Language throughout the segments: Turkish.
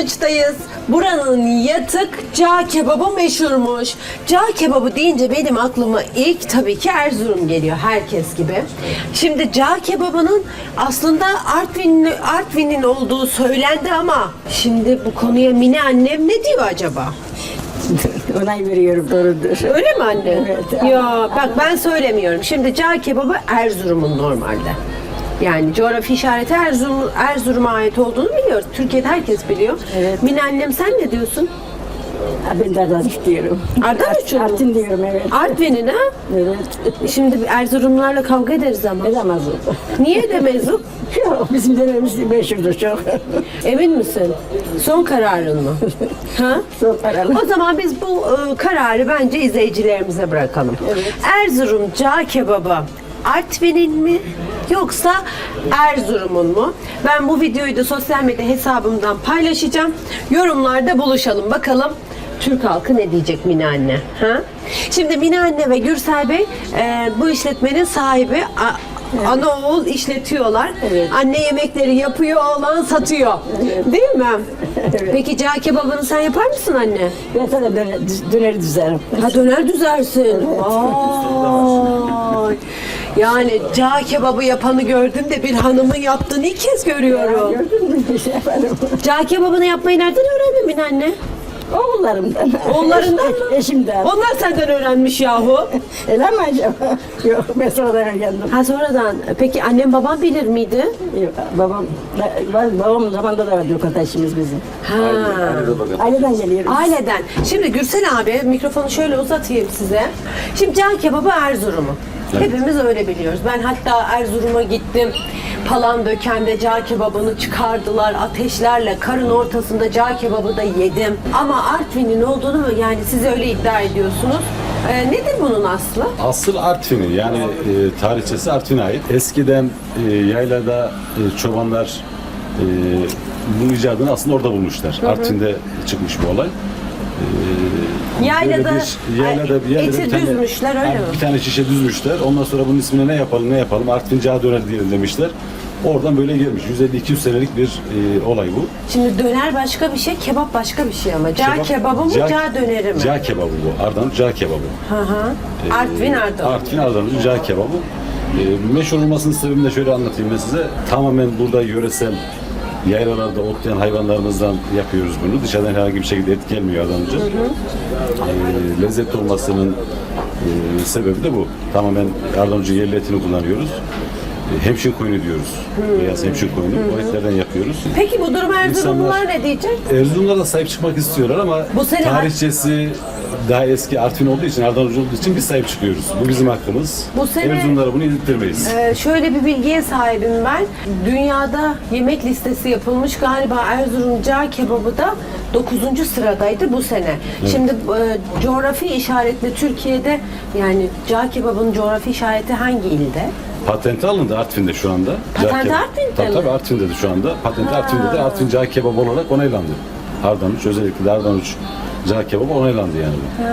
Kılıç'tayız. Buranın yatık cağ kebabı meşhurmuş. Cağ kebabı deyince benim aklıma ilk tabii ki Erzurum geliyor, herkes gibi. Şimdi cağ kebabının aslında Artvin'in olduğu söylendi ama şimdi bu konuya Mine annem ne diyor acaba? Onay veriyorum, doğrudur. Öyle mi anne? Evet. Ya bak, ben söylemiyorum. Şimdi cağ kebabı Erzurum'un normalde. Yani coğrafi işareti Erzurum'a ait olduğunu biliyoruz. Türkiye'de herkes biliyor. Evet. Mine annem, sen ne diyorsun? Ben de Ardanuç diyorum. Ardanuç mu? Artvin diyorum, evet. Artvin'in ha? Evet. Şimdi Erzurumlularla kavga ederiz ama. Edemez o. Niye edemeyiz o? Yok, bizim dönemimiz meşhurdur çok. Emin misin? Son kararın mı? Ha? Son kararım. O zaman biz bu kararı bence izleyicilerimize bırakalım. Evet. Erzurum cağ kebabı Artvin'in mi yoksa Erzurum'un mu? Ben bu videoyu da sosyal medya hesabımdan paylaşacağım. Yorumlarda buluşalım. Bakalım Türk halkı ne diyecek Mine anne? Ha? Şimdi Mine anne ve Gürsel Bey bu işletmenin sahibi. Ana oğul işletiyorlar. Evet. Anne yemekleri yapıyor, oğlan satıyor. Evet. Değil mi? Evet. Peki cağ kebabını sen yapar mısın anne? Ben sana döneri düzerim. Ha, döner düzersin. Vay. Yani cağ kebabı yapanı gördüm de bir hanımın yaptığını ilk kez görüyorum. Gördün mü? Bir şey yaparım. Cağ kebabını yapmayı nereden öğrendin Mine anne? Oğullarımdan. Oğullarından mı? Eşimden. Onlar senden öğrenmiş yahu. Öyle mi acaba? Yok, ben sonradan öğrendim. Ha, sonradan. Peki annem babam bilir miydi? Yok, babamın zamanında da vardı lokanta işimiz bizim. Ha. Aileden geliyoruz. Aileden. Şimdi Gürsel abi, mikrofonu şöyle uzatayım size. Şimdi cağ kebabı Erzurum'u. Hepimiz öyle biliyoruz. Ben hatta Erzurum'a gittim. Palandöken'de cağ kebabını çıkardılar ateşlerle. Karın ortasında cağ kebabı da yedim. Ama Artvin'in olduğunu mu, yani siz öyle iddia ediyorsunuz. Nedir bunun aslı? Asıl Artvin'i, yani tarihçesi Artvin'e ait. Eskiden yaylada çobanlar bu icadını aslında orada bulmuşlar. Artvin'de çıkmış bu olay. Yaylada, yaylada eti bir tane, düzmüşler, öyle mi? Bir tane şişe düzmüşler. Ondan sonra bunun ismine ne yapalım Artvin Cağ Döner diyelim demişler. Oradan böyle gelmiş. 150-200 senelik bir olay bu. Şimdi döner başka bir şey, kebap başka bir şey ama. Cağ kebabı mı, cağ döneri mi? Cağ kebabı bu. Ardanuç cağ kebabı. Hı hı. Artvin Ardanuç. Artvin Ardanuç cağ kebabı. Meşhur olmasının sebebini de şöyle anlatayım ben size. Tamamen burada yöresel yaylalarda otlayan hayvanlarımızdan yapıyoruz bunu. Dışarıdan herhangi bir şekilde et gelmiyor Ardanuç'a. Lezzetli olmasının sebebi de bu. Tamamen Ardanuç'un yerli etini kullanıyoruz. Hemşin koyunu diyoruz. Beyaz hemşin koyunu. O etlerden yapıyoruz. Peki bu durum Erzurumlular ne diyecek? Erzurumlar da sahip çıkmak istiyorlar ama Bu sene tarihçesi daha eski Artvin olduğu için, Ardanuç olduğu için biz sahip çıkıyoruz. Bu bizim hakkımız. Bu sene- Erzurumlara bunu yedirtmeyiz. Şöyle bir bilgiye sahibim ben. Dünyada yemek listesi yapılmış, galiba Erzurum cağ kebabı da 9. sıradaydı bu sene. Şimdi coğrafi işaretle Türkiye'de, yani cağ kebabının coğrafi işareti hangi ilde? Patenti alındı Artvin'de şu anda. Patenti Cağ Artvin'de mi? Tabii Artvin'de şu anda. Patenti Artvin'de de Artvin Cağ Kebabı olarak onaylandı. Ardanuç, özellikle de Ardanuç Cağ Kebabı onaylandı yani bu.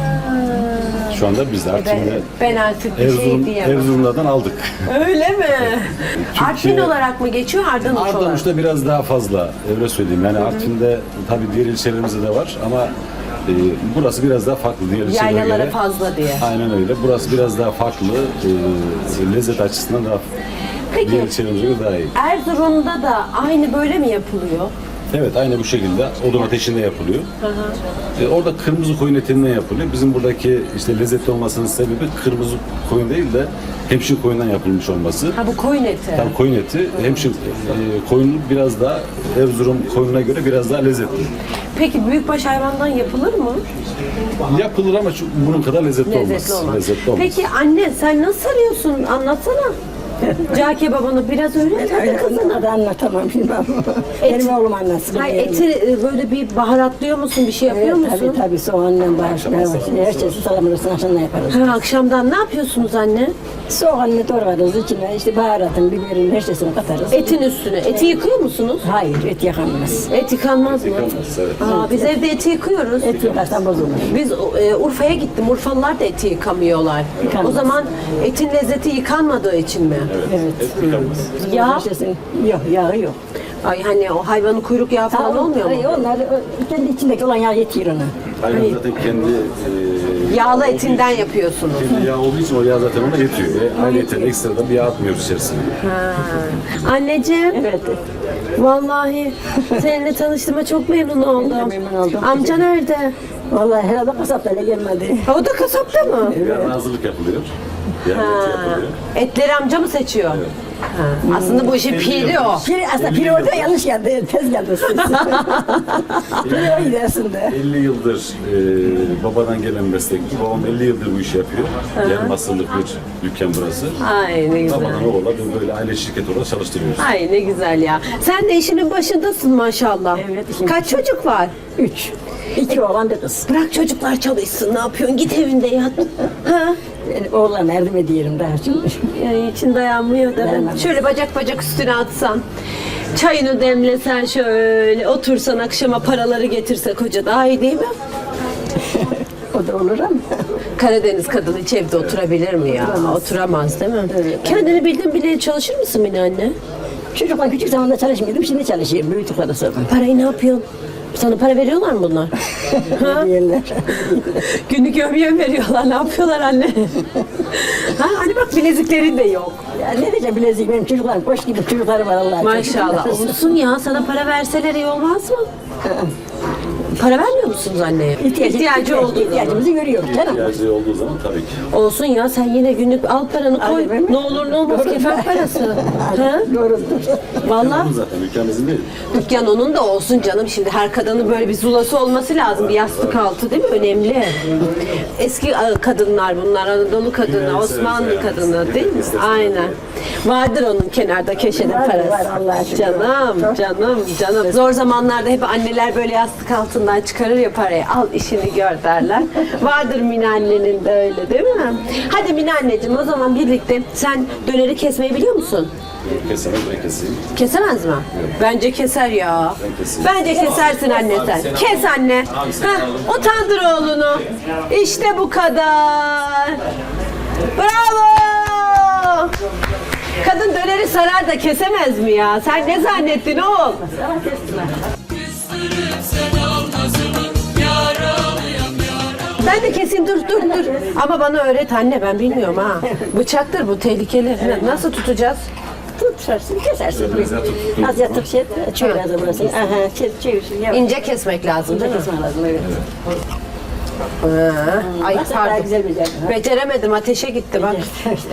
Şu anda biz de Artvin'de Ben artık bir şey diyemem. Erzurumlardan aldık. Öyle mi? Artvin olarak mı geçiyor, Ardanuç olarak? Ardanuç'ta biraz daha fazla, öyle söyleyeyim. Yani Artvin'de tabii diğer ilçelerimizde de var ama burası biraz daha farklı diğer ilçelere Yaylalara göre. fazla diye. Aynen öyle. Burası biraz daha farklı. Lezzet açısından daha Peki. diğer ilçelerimize göre daha iyi. Erzurum'da da aynı böyle mi yapılıyor? Evet, aynı bu şekilde odun ateşinde yapılıyor. Orada kırmızı koyun etinden yapılıyor. Bizim buradaki işte lezzetli olmasının sebebi kırmızı koyun değil de hemşin koyundan yapılmış olması. Ha, bu koyun eti. Tabii koyun eti, hemşin koyunu biraz daha Erzurum koyununa göre biraz daha lezzetli. Peki büyükbaş hayvandan yapılır mı? Yapılır ama bunun kadar lezzetli Lezzetli olmaz. olmaz. Lezzetli olmaz. Peki anne, sen nasıl arıyorsun? Anlatsana. Cağ kebabını biraz öğret hadi kızım. Onu da anlatamam bilmem. Benim oğlum anlatsın. Hayır, eti böyle bir baharatlıyor musun? Bir şey yapıyor Evet, musun? tabii soğanla başlıyor. Her şeyi salamurasını akşamdan yaparız. Ha, akşamdan ne yapıyorsunuz anne? Soğanını doğrarız, içine işte baharatın, biberin, her şeyini katarız. Etin üstüne. Eti yıkıyor musunuz? Hayır, et yakamaz. Et yıkanmaz mı? Yıkanmaz, evet. Aa, biz evde eti yıkıyoruz. Et yıkarsan bozulur. Biz Urfa'ya gittim. Urfalılar da eti yıkamıyorlar. Yıkanmaz. O zaman etin lezzeti yıkanmadığı için mi? Evet. Et yıkanmaz. Yağ? Her şeysin- Yok, yağı yok. Ay hani o hayvanın kuyruk yağı falan olmuyor mu? Onlar kendi içindeki olan yağ yetiyor ona. Hayvan zaten kendi Yağlı etinden yapıyorsunuz. kendi yağ olduğu için o yağ zaten ona yetiyor. Ve ayrıca ekstradan bir yağ atmıyoruz içerisine. Ha. Anneciğim, Evet. vallahi seninle tanıştığıma çok memnun oldum. Memnun oldum. Amca nerede? Vallahi herhalde kasaplara gelmedi. Ha, o da kasapta mı? Yarın hazırlık yapılıyor. Yarın eti yapılıyor. Etleri amca mı seçiyor? Ha. Aslında bu işin piri o. Aslında piri orada yanlış geldi. Tez geldi. Piri o gidersinde. 50 yıldır babadan gelen meslek. Babam 50 yıldır bu işi yapıyor. Yarım asırlık bir dükkan burası. Ay ne güzel. Babadan oğula böyle aile şirketi olarak çalıştırıyoruz. Ay ne güzel ya. Sen de işinin başındasın maşallah. Evet, işin Kaç çocuk var? 3. 2 oğlan bir kız. Bırak çocuklar çalışsın. Ne yapıyorsun? Git evinde yat. Ha? Yani oğlan yardım ediyorum daha şimdi. Yani için dayanmıyor da. Dayanamaz. Şöyle bacak bacak üstüne atsan. Çayını demlesen şöyle otursan akşama paraları getirse koca daha iyi değil mi? O da olur ama. Karadeniz kadını hiç evde oturabilir mi ya? Oturamaz değil mi? Evet. Kendini bildin bile çalışır mısın Mine anne? Çocuklar küçük zamanda çalışmıyordum, şimdi çalışıyorum. Büyüdükleri sonra. Parayı ne yapıyorsun? Sana para veriyorlar mı bunlar? Ha? Yerler. Günlük yevmiye mi veriyorlar? Ne yapıyorlar anne? Ha, hani bak bileziklerin de yok. Ya ne diyeceğim bilezik, benim çocuklarım boş gibi çocuklarım var Allah'a. Maşallah. Olsun ya, sana para verseler iyi olmaz mı? Para vermiyor musunuz anneye? İhtiyacı olduğu zaman. İhtiyacımızı görüyoruz canım. İhtiyacı olduğu zaman tabii ki. Olsun ya, sen yine günlük al paranı koy. Aynen. Ne olur ne olmaz Doğru. kefen parası. Ha? Doğrudur. Vallahi Onun zaten ülkemizin değil. dükkan onun da olsun canım. Şimdi her kadının böyle bir zulası olması lazım. Bir yastık altı değil mi? Önemli. Eski kadınlar bunlar. Anadolu kadını, Dünyayı Osmanlı severiz yani. kadını değil mi? İstesin. Aynen. Vardır onun kenarda köşede Var, parası. var, Allah'a şükür. Canım. Zor zamanlarda hep anneler böyle yastık altından çıkarır ya parayı. Al işini gör derler. Vardır Mine annenin de öyle değil mi? Hadi Mine anneciğim, o zaman birlikte sen döneri kesmeyi biliyor musun? Kesemez, ben keseyim. Kesemez mi? Bence keser ya. Ben keseyim. Bence kesersin anne sen. Kes anne. Hah, utandır oğlunu. İşte bu kadar. Bravo. Kadın döneri sarar da kesemez mi ya? Sen ne zannettin oğul? Ben de keseyim, dur. Ama bana öğret anne, ben bilmiyorum ha. Bıçaktır bu, tehlikeli. Nasıl tutacağız? Tutarsın, kesersin. Az yatıp şey, çevir az da burasını. Aha, çevir. Yavaş. İnce kesmek lazım değil mi? Kesmen lazım, evet. Ay Nasıl daha pardon. güzel bir Beceremedim, ateşe gitti bak.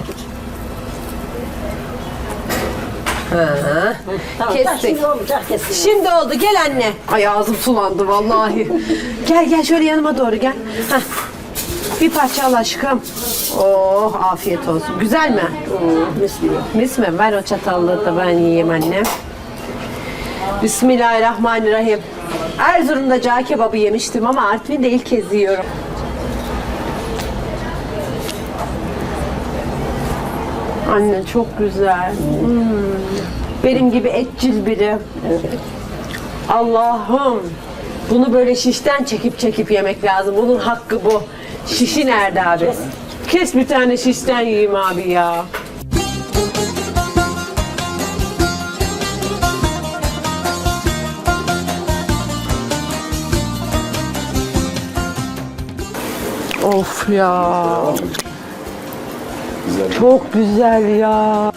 Ha. Tamam, Kestik. şimdi olacak kesin. Şimdi oldu, gel anne. Ay ağzım sulandı vallahi. Gel şöyle yanıma doğru gel. Heh. Bir parça al aşkım. Oh, afiyet olsun. Güzel mi? Mis gibi. Mis mi? Ver o çatallığı da ben yiyeyim annem. Bismillahirrahmanirrahim. Erzurum'da cağ kebabı yemiştim ama Artvin'de ilk kez yiyorum. Anne çok güzel. Benim gibi etçil biri. Allah'ım. Bunu böyle şişten çekip yemek lazım. Bunun hakkı bu. Şişi nerede abi? Kes bir tane şişten yiyeyim abi ya. Of ya. Güzel. Çok güzel ya.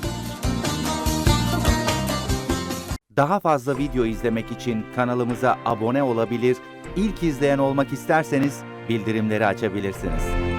Daha fazla video izlemek için kanalımıza abone olabilir, ilk izleyen olmak isterseniz bildirimleri açabilirsiniz.